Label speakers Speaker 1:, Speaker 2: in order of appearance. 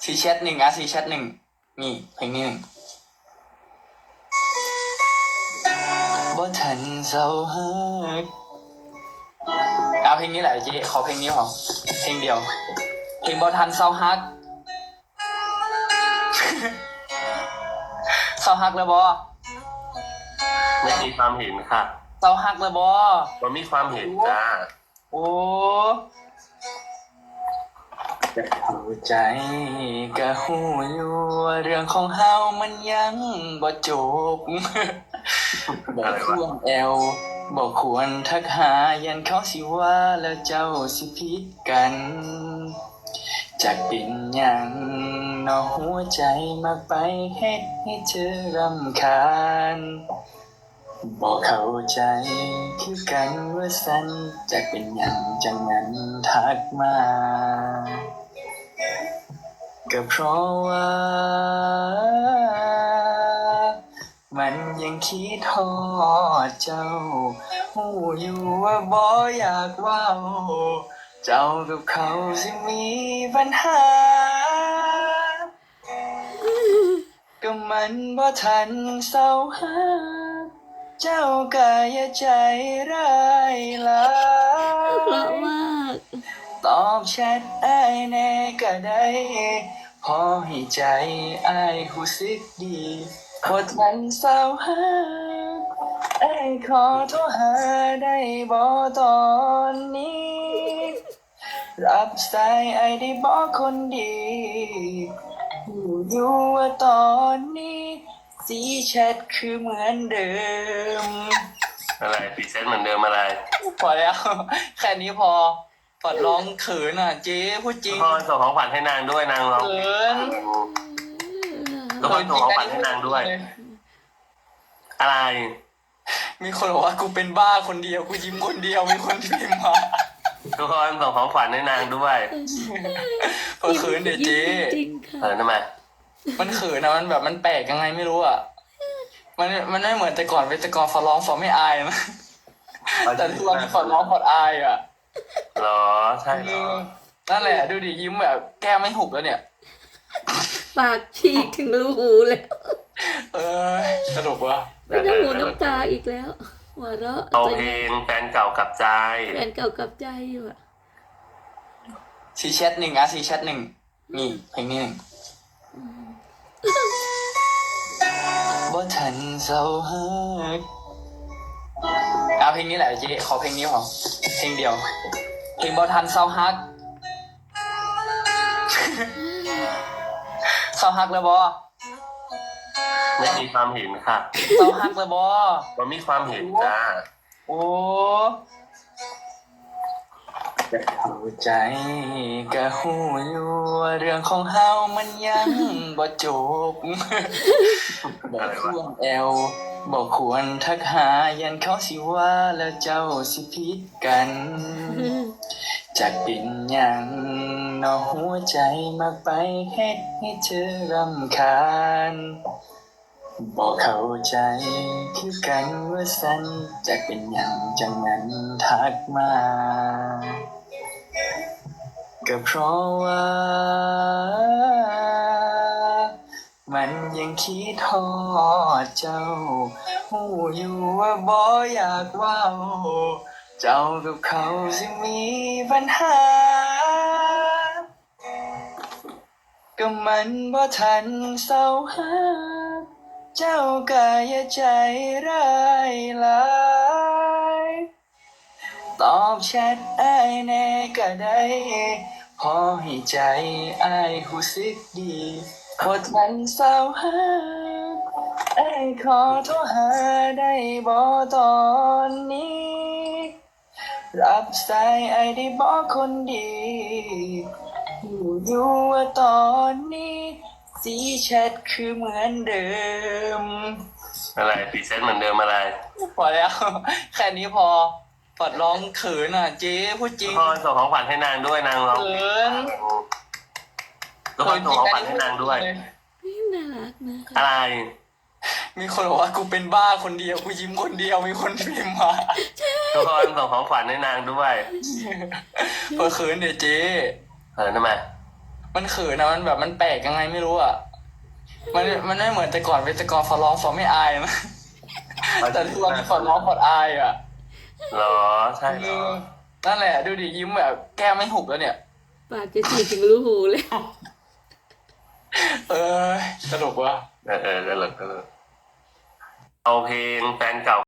Speaker 1: ซีแชทหนึ่งอ่ะซีแชทหนึ่งนี่เพลงนี้หนึ่งบ่ทันเศร้าฮักเอาเพลงนี้แหละเจ๊ขอเพลงนี้พอเพลงเดียวเพลงบ่ทันเศร้าฮัก เศร้าฮักแล้วบ่
Speaker 2: ไม่มีความเห็นค่ะ
Speaker 1: เศร้าฮักแล้วบ่
Speaker 2: มันมีความเห็นจ้า
Speaker 1: โอ้เข้าใจก็หูอยู่ว่าเรื่องของเฮามันยังบ่จบ บ่ควรแอวบ่ควรทักหายันเขาสิว่าแล้วเจ้าสิผิดกันจากเป็นหยังเนอหัวใจมากไปเฮ็ดให้เธอรำคาญบ่เข้าใจคือกันว่าสันจากเป็นหยังจังนั้นทักมาก็เพราะว่า มันยังคิดทอดเจ้าหูอยู่ว่าบ่อยากเว้าเจ้ากับเขาสิมีปัญหา ก็มันบ่ทันเศร้าหาเจ้าก็อย่าใจร้ายหลา
Speaker 3: เพราะ
Speaker 1: ย
Speaker 3: มาก
Speaker 1: ตอบแชทอ้ายแน่ก็ได้พอให้ใจอ้ายรู้สึกดีบ่ทันเศร้าหาอ้ายขอโทรหาได้บ่ตอนนี้ รับสายอ้ายได้บ่คนดีรู้อยู่ว่าตอนนี้สีแชทคือเหมือนเดิม
Speaker 2: อะไรพรีเซนต์เหมือนเดิมอะไร
Speaker 1: พอแล้ว แค่นี้พอปอดร้องเขินอ่ะเจ๊พูดจริง
Speaker 2: พ่อส่งของขวัญให้นางด้วยนางร้อง
Speaker 1: เขิน
Speaker 2: แล้วก็ส่งของขวัญให้นางด้วย อะไร
Speaker 1: มีคนบอกว่ากูเป็นบ้าคนเดียวกูยิ้มคนเดียวมีคนพิมพ์มา
Speaker 2: ทุกคนส่งของขวัญให้นางด้วย
Speaker 1: เขินเดี๋ยวเจ๊
Speaker 3: จริงค่ะ
Speaker 2: ทำไม
Speaker 1: มันเขินนะมันแบบมันแปลกยังไงไม่รู้อ่ะมันไม่เหมือนแต่ก่อนเว้ยแต่ก่อนฟอร้องฟอไม่อายนะแต่ทุกวันนี้ฟอร้องฟออายอ่ะ
Speaker 2: เหรอใช่เหรอ
Speaker 1: นั่นแหละดูดิยิ้มแบบแก้มไม่หุบแล้วเนี่ย
Speaker 3: ปากฉีกถึงรูหูแล้ว
Speaker 1: เออสนุกวะ
Speaker 3: เป็นน้ำหูน้ำตาอีกแล้วหัวเราะ
Speaker 2: เอาเพลงแฟนเก่ากับใจ
Speaker 3: แฟนเก่ากับใจอยู่อะ
Speaker 1: ซีแชทหนึ่งอ่ะซีแชทหนึ่งนี่เพลงนี้หนึ่งบ่ทันเศร้าฮักเอาเพลงนี้แหละเจ๊ขอเพลงนี้พอเพลงเดียวเพลงบ่ทันเศร้าฮัก เศร้าฮักแล้วบ่
Speaker 2: ไม่มีความเห็นค่ะ
Speaker 1: เศร้าฮักแล้วบ่
Speaker 2: มันมีความเห็นจ้า
Speaker 1: โอ้เข้าใจก็หูอยู่ว่าเรื่องของเฮามันยังบ่จบ บ่ควรแอวบ่ควรทักหายันเขาสิว่าแล้วเจ้าสิผิดกัน จากเป็นหยังเนอหัวใจมากไปเฮ็ดให้เธอรำคาญบ่เข้าใจคือกันว่าสันจากเป็นหยังจังนั้นทักมาก็เพราะว่า มันยังคิดทอดเจ้าหูอยู่ว่าบ่อยากเว้าเจ้ากับเขาสิมีปัญหา ก็มันบ่ทันเศร้าหาเจ้าก็อย่าใจร้ายหลายตอบแชทอ้ายแน่ก็ได้พอให้ใจอ้ายรู้สึกดีบ่ทันเศร้าหาอ้ายขอโทรหาได้บ่ตอนนี้ รับสายอ้ายได้บ่คนดีรู้อยู่ว่าตอนนี้สีแชทคือเหมือนเดิม
Speaker 2: อะไรพรีเซนต์เหมือนเดิมอะไร
Speaker 1: พอแล้ว แค่นี้พอปอดร้องเขินอ่ะเจ๊พูดจริง
Speaker 2: พ่อส่งของขวัญให้นางด้วยนางร้อง
Speaker 1: เขิน
Speaker 2: ทุกคนส่งของขวัญให้นางด้วย
Speaker 3: นี่น่ารักนะคะ
Speaker 2: อะไร
Speaker 1: มีคนบอกว่ากูเป็นบ้าคนเดียวกูยิ้มคนเดียวมีคนพิมพ์มา
Speaker 2: ทุกคนส่งของขวัญให้นางด้วย
Speaker 1: เขินเดี๋ยวเจ๊
Speaker 2: ทำไม
Speaker 1: มันเขินนะมันแบบมันแปลกยังไงไม่รู้อ่ะมันไม่เหมือนแต่ก่อนเป็นแต่ก่อนฟอร้องฟอไม่อายนะแต่ทุกวันนี้ฟอร้องฟออายอ่ะ
Speaker 2: เหรอใช่เหรอ
Speaker 1: นั่นแหละดูดิยิ้มแบบแก้มไม่หุบแล้วเนี่ย
Speaker 3: ปากจะฉีกถึงรูหูเลย
Speaker 1: เออสนุกว่ะ
Speaker 2: เออก็เลยเอาเพลงแฟนเก่า